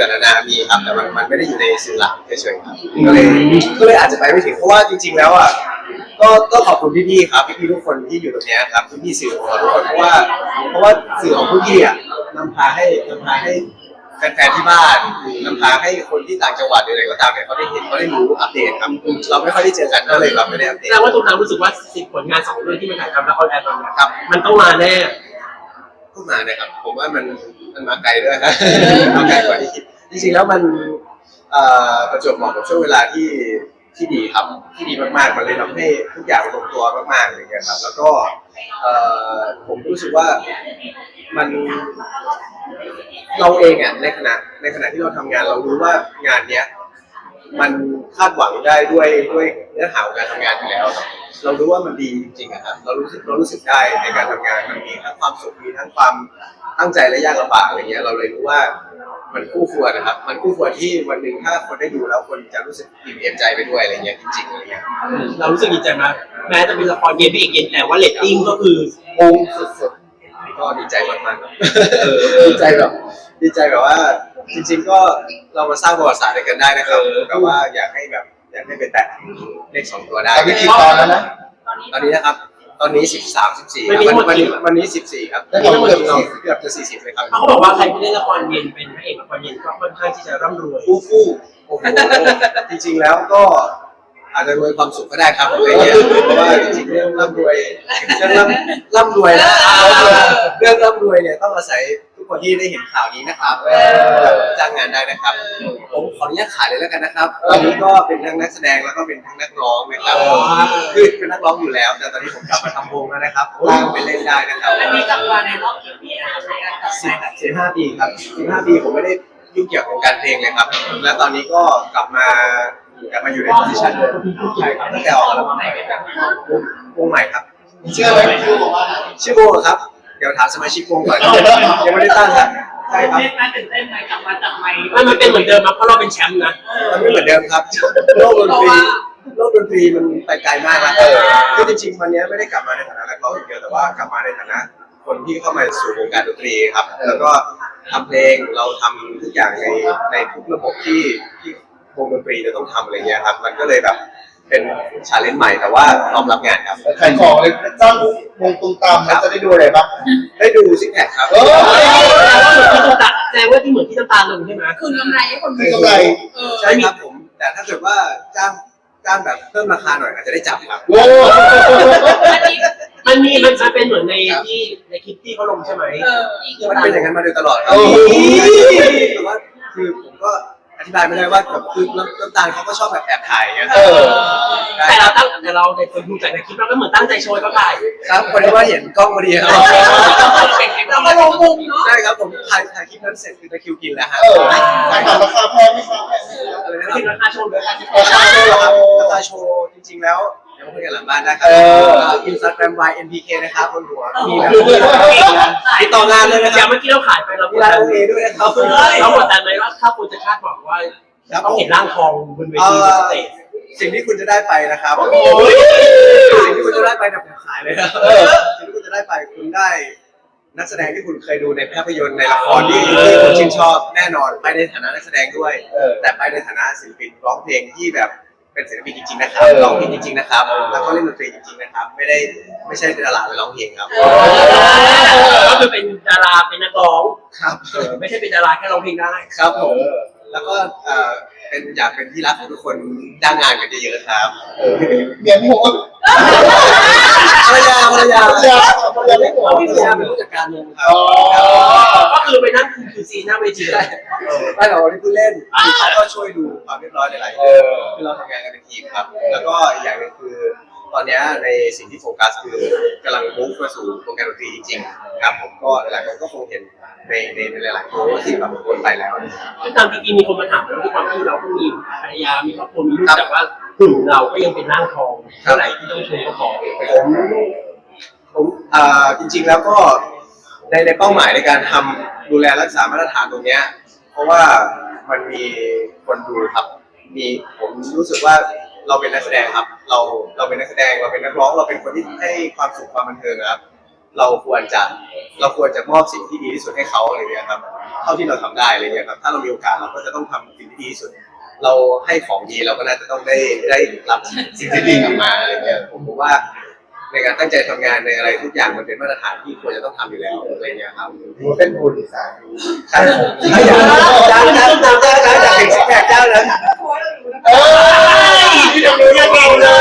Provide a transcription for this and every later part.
างๆนานามีครับแต่มันไม่ได้อยู่ในสื่อหลักเฉยๆครับก็เลยอาจจะไปไม่ถึงเพราะว่าจริงๆแล้วอ่ะก็ขอบคุณพี่ๆครับพี่ๆทุกคนที่อยู่ตรงนี้ครับพี่ๆสื่อของเราทุกคนเพราะว่าสื่อของพี่ๆอ่ะนำพาให้แฟนๆที่บ้านนำพาให้คนที่ต่างจังหวัดหรืออะไรก็ตามเนี่ยเขาได้เห็นเขาได้รู้อัปเดตครับเราไม่ค่อยได้เจอกันก็เลยแบบไม่ได้อัปเดตแต่ว่าตรงนั้นรู้สึกว่า10 ผลงาน2 เรื่องที่มันถ่ายทำและออนแอร์ตอนนี้ครับมันต้องมาแน่พูดมาเนี่ยครับผมว่ามันมาไกลด้วยครับมาไกลกว่าที่คิดจริงๆแล้วมันประจวบเหมาะกับช่วงเวลาที่ดีครับที่ดีมากๆมันเลยทำให้ทุกอย่างลงตัวมากๆเลยครับแล้วก็ผมรู้สึกว่ามันเราเองอ่ะในขณะที่เราทำงานเรารู้ว่างานเนี้ยมันคาดหวังได้ด้วยเนื้อหาของการทำงานอยู่แล้วเรารู้ว่ามันดีจริงๆครับเรารู้สึกได้ในการทำงานมันมีทั้งความสุขมีทั้งความตั้งใจและยากลำบากอะไรเงี้ยเราเลยรู้ว่ามันคู่ควรนะครับมันคู่ควรที่วันหนึ่งถ้าคนได้ดูแล้วคนจะรู้สึกอิ่มเอมใจไปด้วยอะไรเงี้ยจริงๆอะไรเงี้ยเรารู้สึกดีใจไหมแม้จะเป็นละครเย็นพี่เอกเย็นแต่ว่าเรตติ้งก็คืองสุดๆก็ดีใจมากๆดีใจแบบว่าจริงๆก็เรามาสร้างประวัติศาสตร์ด้วยกันได้นะครับแต่ว่าอยากให้ไปแตะเลข2 ตัวได้ไม่กี่ตอนแล้วนะตอนนี้นะครับตอนนี้13 14วันนี้14ครับเกือบจะ40เลยครับเขาบอกว่าใครที่เล่นละครเย็นเป็นพระเอกละครเย็นก็ค่อนข้างที่จะร่ำรวยฟู่โอ้โหจริงๆแล้วก็อาจจะรวยความสุขก็ได้ครับอะไรเงี้ยเพราะว่าจริงๆเรื่องร่ำรวยนะเรื่องร่ำรวยเนี่ยต้องอาศัยทุกคนที่ได้เห็นข่าวนี้นะครับจ้างงานได้นะครับผมขออนุญาตขายเลยแล้วกันนะครับตอนนี้ก็เป็นทั้งนักแสดงแล้วก็เป็นทั้งนักร้องนะครับคือเป็นนักร้องอยู่แล้วแต่ตอนนี้ผมกลับมาทำวงแล้วนะครับว่างไปเล่นได้นะครับอันนี้กลับมาในรอบกี่ปีนะครับในการกลับมา 15 ปีครับ15 ปีผมไม่ได้ยุ่งเกี่ยวกับการเพลงเลยครับและตอนนี้ก็กลับมาอยู่ในโพสิชันใช่ครับตั้งแต่ออกอัลบั้มใหม่วงใหม่ครับเชื่อไหมชื่อวงครับเดี๋ยวถามสมาชิกวงก่อนยังไม่ได้ตั้งครับใช่ครับตื่นเต้นไหมกลับมาจับไมค์มันเป็นเหมือนเดิมมั้ยเพราะเราเป็นแชมป์นะมันไม่เหมือนเดิมครับโลกดนตรีมันไปไกลมากแล้วคือจริงๆวันนี้ไม่ได้กลับมาในฐานะนักร้องอย่างเดียวแต่ว่ากลับมาในฐานะคนที่เข้ามาสู่วงการดนตรีครับแล้วก็ทำเพลงเราทำทุกอย่างในทุกระบบที่วงดนตรีจะต้องทำอะไรเงี้ยครับมันก็เลยแบบเป็นชาเลนจ์ใหม่แต่ว่าพร้อมรับงานครับขายของเลยจ้างวงตุ้มตามมันจะได้ดูอะไรบ้างได้ดูซิกแพคครับแสดงว่าที่เหมือนที่น้ำตาลลงใช่ไหมคืนกำไรให้คนคือกำไรใช่ครับผมแต่ถ้าเกิดว่าจ้างแบบเพิ่มราคาหน่อยอาจจะได้จับครับมันเป็นเหมือนในคลิปที่เขาลงใช่ไหมมันเป็นอย่างนั้นมาโดยตลอดแต่ว่าคือผมก็อธิบายไม่ได้ว่าแบบคือน้ำตาลเขาก็ชอบแบบแอบถ่ายอย่างเงี้ยแต่เราในคนดูจากในคลิปเราก็เหมือนตั้งใจโชว์เขาถ่ายครับพอดีว่าเห็นกล้องพอดีครับเราก็ลงมุมเนาะใช่ครับผมถ่ายคลิปนั้นเสร็จคือตะคิวกินแล้วฮะขายราคาแพงไหมครับอะไรนะราคาโชว์ราคาโชว์จริงๆแล้วเดี๋ยวมาคุยกันหลังบ้านนะครับInstagram YNPK นะครับบนหัวมีแบบติดต่องานเลยนะครับเมื่อกี้เราขายไปเรามีร้านโอเคด้วยนะครับเรากดดันไหมว่าถ้าคุณจะคาดหวังว่าต้องเห็นร่างทองบนเวทีสเตจสิ่งที่คุณจะได้ไปนะครับสิ่งที่คุณจะได้ไปเนี่ยผมขายเลยครับสิ่งที่คุณจะได้ไปคุณได้นักแสดงที่คุณเคยดูในภาพยนตร์ในละครที่คุณชื่นชอบแน่นอนไปในฐานะนักแสดงด้วยแต่ไปในฐานะศิลปินร้องเพลงที่แบบเป็นศิลปินจริงๆนะครับร้องเพลงจริงๆนะครับแล้วก็เล่นดนตรีจริงๆนะครับไม่ใช่ดาราไปร้องเพลงครับก็คือเป็นดาราเป็นนักร้องครับไม่ใช่เป็นดาราแค่ร้องเพลงได้ครับผมแล้วก็อยากเป็นที่รักของทุกคนจ้างงานกันเยอะๆครับเมียพี่โหดภรรยาไม่โหดพี่ภรรยาเป็นผู้จัดการวงครับก็คือไปนั่งคือซีหน้าเวทีเลยไม่หรอกที่ผู้เล่นเขาก็ช่วยดูความเรียบร้อยหลายๆคือเราทำงานกันเป็นทีมครับแล้วก็อย่างนึงคือตอนนี้ในสิ่งที่โฟกัสคือกำลังมุ่งมาสู่วงการดนตรีจริงๆครับผมก็หลายคนก็คงเห็นในหลายๆโพสที่แบบคนไปแล้วตามจริงๆมีคนมาถามเราด้วยความที่เราก็มีภรรยามีครอบครัวมีลูกแต่ว่าหุ่นเราก็ยังเป็นร่างทองเท่าไหร่ที่ต้องโชว์ก็พอผมจริงๆแล้วก็ในเป้าหมายในการทำดูแลรักษามาตรฐานตรงนี้เพราะว่ามันมีคนดูครับผมรู้สึกว่าเราเป็นนักแสดงครับเราเป็นนักแสดงเราเป็นนักร้องเราเป็นคนที่ให้ความสุขความบันเทิงครับเราควรจะมอบสิ่งที่ดีที่สุดให้เขาอะไรเงี้ยครับเท่าที่เราทำได้อะไรเงี้ยครับถ้าเรามีโอกาสเราก็จะต้องทำสิ่งที่ดีที่สุด เราให้ของดีเราก็น่าจะต้องได้รับสิ่งที่ดีกลับมาอะไรเงี้ยผมว่าในการตั้งใจทำงานในอะไรทุกอย่างมันเป็นมาตรฐานที่ควรจะต้องทำอยู่แล้วอะไรเงี้ยครับถือว่าเป็นบุญสายใช่ผมถ้าอยากจ้างอยากเห็นซิกแพคเจ้านั้นเอ้ยที่ทำดูยังเก่งเลย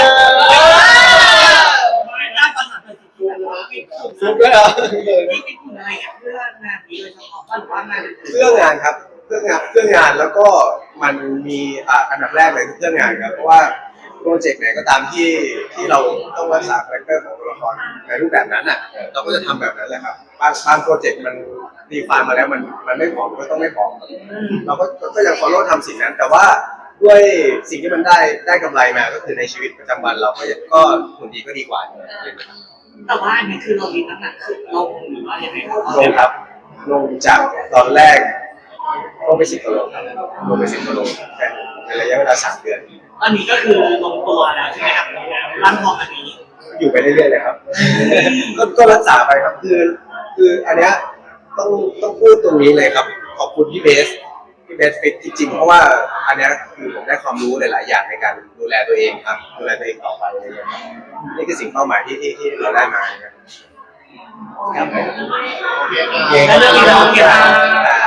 ไม่ได้ปัญหาเลยคือฟิตฟุกด้วยเหรอที่ฟิตหุ่นอะไรเนี่ยเพื่องานนี้โดยเฉพาะหรือว่างานเรื่องงานครับเรื่องงานแล้วก็มันมีอันดับแรกเลยคือเรื่องงานครับเพราะว่าโปรเจกต์ไหนก็ตามที่เราต้องรักษาคาแรคเตอร์ของตัวละครในรูปแบบนั้นอ่ะเราก็จะทำแบบนั้นแหละครับบางโปรเจกต์มันดีไฟล์มาแล้วมันไม่พอก็ต้องไม่พอเราก็ยัง follow ทำสิ่งนั้น แต่ว่าด้วยสิ่งที่มันได้กำไรมาก็คือในชีวิตประจำวันเราก็หุ่นดีก็ดีกว่าแต่ว่าอันนี้คือเรามีน้ำหนักขึ้นลงหรือว่ายังไงครับลงครับลงจากตอนแรกลงไป10 กิโลครับลงไป10 กิโลแค่ในระยะเวลา3 เดือนตอนนี้ก็คือลงตัวแล้วใช่ไหมครับร่างทองอันนี้อยู่ไปเรื่อยๆเลยครับ ก็รักษาไปครับคืออันเนี้ยต้องพูดตรงนี้เลยครับ ขอบคุณพี่เบสฟิตจริงๆเพราะว่าอันเนี้ยคือผมได้ความรู้หลายๆอย่างในการดูแลตัวเองครับดูแลตัวเองต่อไปอะไรอย่างเงี้ยครับนี่คือสิ่งเป้าหมายที่เราได้มาครับโอเคเก่งแล้วเรื่องนี้เราโอเคไหมครับ